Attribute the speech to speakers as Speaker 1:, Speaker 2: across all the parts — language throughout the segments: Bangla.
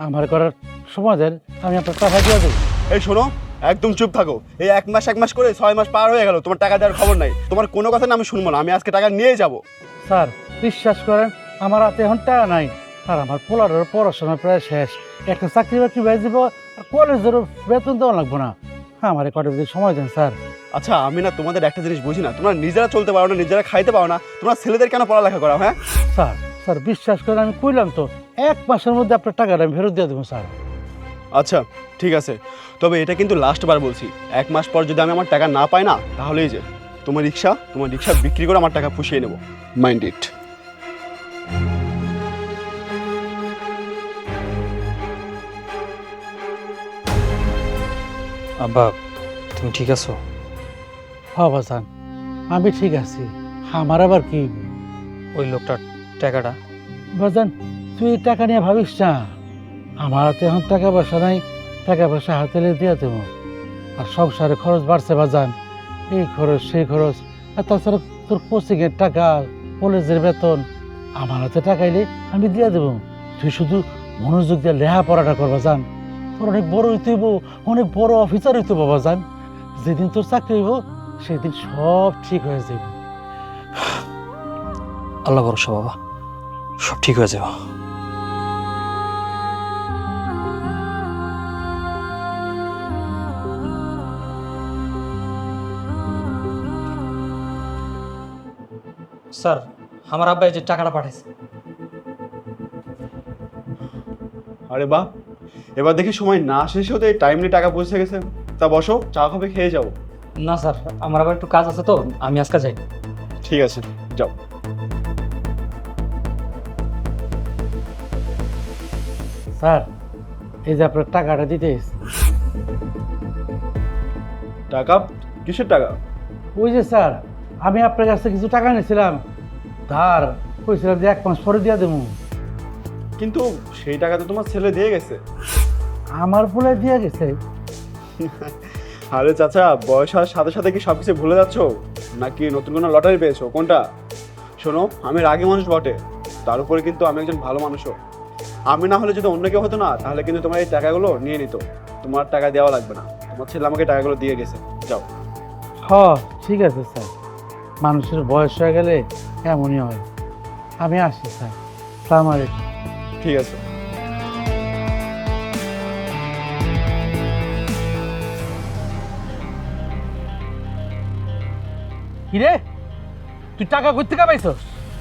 Speaker 1: আমার করার সময় দেন, আমি আপনার টাকা দিয়ে দেবো।
Speaker 2: এই শোনো, একদম চুপ থাকো। এই এক মাস করে 6 মাস পার হয়ে গেল, তোমার টাকা দেওয়ার খবর নাই। তোমার কোনো কথা না আমি শুনবো না, আমি আজকে টাকা নিয়ে যাব।
Speaker 1: স্যার বিশ্বাস করেন, আমার হাতে এখন টাকা নাই। আর আমার পোলারের পড়াশোনা প্রায় শেষ, একটা চাকরি বাকরি বেঁচে দেবো, আর কলেজেরও বেতন দেওয়া লাগবো না। আমার কটা দিন সময় দেন স্যার।
Speaker 2: আচ্ছা, আমি না তোমাদের একটা জিনিস বুঝি না, তোমরা নিজেরা চলতে পারো না, নিজেরা খাইতে পারো না, তোমরা ছেলেদের কেন পড়ালেখা করাও? হ্যাঁ
Speaker 1: স্যার, স্যার বিশ্বাস করেন, আমি কইলাম তো 1 মাসের মধ্যে আপনার টাকাটা আমি ফেরত দিয়ে দেবো স্যার।
Speaker 2: আচ্ছা ঠিক আছে, তবে এটা কিন্তু লাস্ট বার বলছি, 1 মাস পর যদি আমি আমার টাকা না পাই না, তাহলেই যে তোমার রিক্সা বিক্রি করে আমার টাকা পুষিয়ে নেবো। Mind it.
Speaker 3: আব্বা তুমি ঠিক আছো?
Speaker 1: হ্যাঁ বাজান, আমি ঠিক আছি। আমার আবার কি
Speaker 3: ওই লোকটার টাকাটা?
Speaker 1: বাজান, তুই এই টাকা নিয়ে ভাবিস না। আমার হাতে এখন টাকা পয়সা নাই, টাকা পয়সা হাতে দিয়ে দেবো। আর সংসারে খরচ বাড়ছে বাজান, এই খরচ সেই খরচ, আর তাছাড়া তোর কোচিংয়ের টাকা, কলেজের বেতন, আমার হাতে টাকা এলে আমি দিয়ে দেবো। তুই শুধু মনোযোগ দিয়ে লেখাপড়াটা করবা যান। তোর অনেক বড় হইতে হইব, অনেক বড় অফিসার হইতে বাবা যান। যেদিন তোর চাকরি হইব সেদিন সব ঠিক হয়ে যাবে।
Speaker 3: আল্লাহ ভরসা বাবা, সব ঠিক হয়ে যাবে। স্যার, আমার আব্বা এই যে টাকাটা পাঠাইছে।
Speaker 2: আরে বাহ, এবার দেখি সময় না শেষ হতে টাইমলি টাকা পৌঁছে গেছে। তা বসো, চা কফি খেয়ে যাও।
Speaker 3: না স্যার, আমার আবার একটু কাজ আছে তো, আমি আজকে যাই।
Speaker 2: ঠিক আছে, যাও।
Speaker 1: স্যার, এই যে আপনার টাকাটা দিতে এসেছি।
Speaker 2: টাকা? কিসের টাকা?
Speaker 1: ওই যে স্যার, আমি আপনার কাছে কিছু টাকা নিয়েছিলাম ধার, কইছিলাম যে 1 মাস পরে দিয়ে দেবো।
Speaker 2: কিন্তু সেই টাকা তো তোমার ছেলে দিয়ে গেছে।
Speaker 1: আমার বলে দিয়ে গেছে?
Speaker 2: আরে চাচা, বয়স হওয়ার সাথে সাথে কি সব কিছু ভুলে যাচ্ছ, নাকি নতুন কোনো লটারি পেয়েছো? কোনটা? শোনো, আমি রাগী মানুষ বটে, তার উপরে কিন্তু আমি একজন ভালো মানুষও। আমি না হলে যদি অন্য কেউ হতো না, তাহলে কিন্তু তোমার এই টাকাগুলো নিয়ে নিত। তোমার টাকা দেওয়া লাগবে না, তোমার ছেলে আমাকে টাকাগুলো দিয়ে গেছে। যাও।
Speaker 1: হ্যাঁ ঠিক আছে স্যার, মানুষের বয়স হয়ে গেলে এমনই হয়। আমি আসি স্যার, সালাম আলাইকুম।
Speaker 2: ঠিক আছে।
Speaker 1: কিরে, তুই টাকা কই থেকে পাইছস?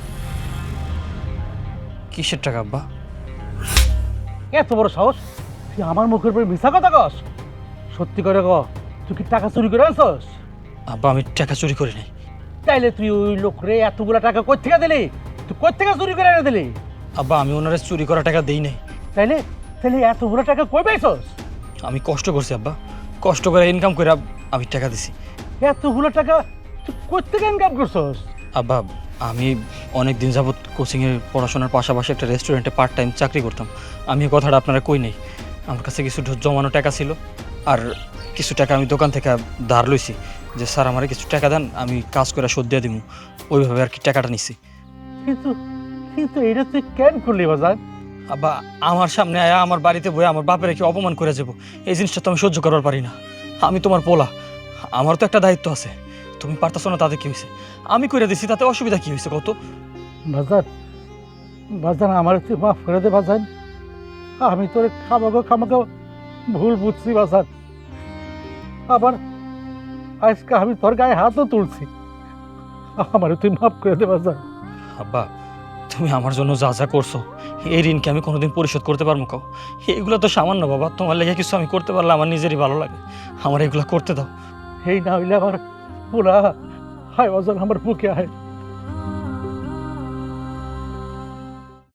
Speaker 3: কিসের টাকা আব্বা?
Speaker 1: এত বড় সাহস, তুই আমার মুখের উপরে মিথ্যা কথা কস? সত্যি করে ক, তুই কি টাকা চুরি করে আনছস?
Speaker 3: আব্বা আমি টাকা চুরি করি নাই।
Speaker 1: তাইলে তুই ওই লোকরে এতগুলা টাকা কই থেকে দিলি? তুই কই থেকে চুরি করে এনে দিলি?
Speaker 3: আব্বা আমি ওনারে চুরি করা টাকা দেই নাই।
Speaker 1: তাইলে তাইলে এতগুলা টাকা কই পাইছস?
Speaker 3: আমি কষ্ট করছি আব্বা, কষ্ট করে ইনকাম করে আমি টাকা দিছি।
Speaker 1: এতগুলো টাকা তুই কই থেকে ইনকাম করছস?
Speaker 3: আব্বা আমি অনেক দিন যাবৎ কোচিংয়ের পড়াশোনার পাশাপাশি একটা রেস্টুরেন্টে পার্ট টাইম চাকরি করতাম। আমি এই কথাটা আপনারা কই নেই। আমার কাছে কিছু জমানো টাকা ছিল, আর কিছু টাকা আমি দোকান থেকে ধার লইছি, যে স্যার আমারে কিছু টাকা দেন, আমি কাজ করে শোধ দিয়ে দিব। ওইভাবে আর কি টাকাটা নিছি।
Speaker 1: কিন্তু কিন্তু এটা তুই কেন করলি বাজার?
Speaker 3: আব্বা আমার সামনে আয়া আমার বাড়িতে বয়ে আমার বাপের কি অপমান করে যাব, এই জিনিসটা তো আমি সহ্য করবার পারি না। আমি তোমার পোলা, আমার তো একটা দায়িত্ব আছে। তুমি পারতাছো না, তাতে কি হয়েছে? আমি করে দিছি, তাতে অসুবিধা কি হয়েছে কত?
Speaker 1: বাজার বাজার আমার তুই মাফ করে দে বাজার। আমি তোর খামাকে ভুল বুঝছি বাজার। আবার আজকে আমি তোর গায়ে হাতও তুলছি, আমার তুই মাফ করে দে বাজার।
Speaker 3: আব্বা তুমি আমার জন্য যা যা করছো, এই ঋণকে আমি কোনোদিন পরিশোধ করতে পারবো কাও? এইগুলো তো সামান্য বাবা, তোমার লেগে কিছু আমি করতে পারলে আমার নিজেরই ভালো লাগে। আমার এগুলো করতে দাও।
Speaker 1: এই না হইলে আমার পুরা হায় বাজার, আমার বুকে আয়।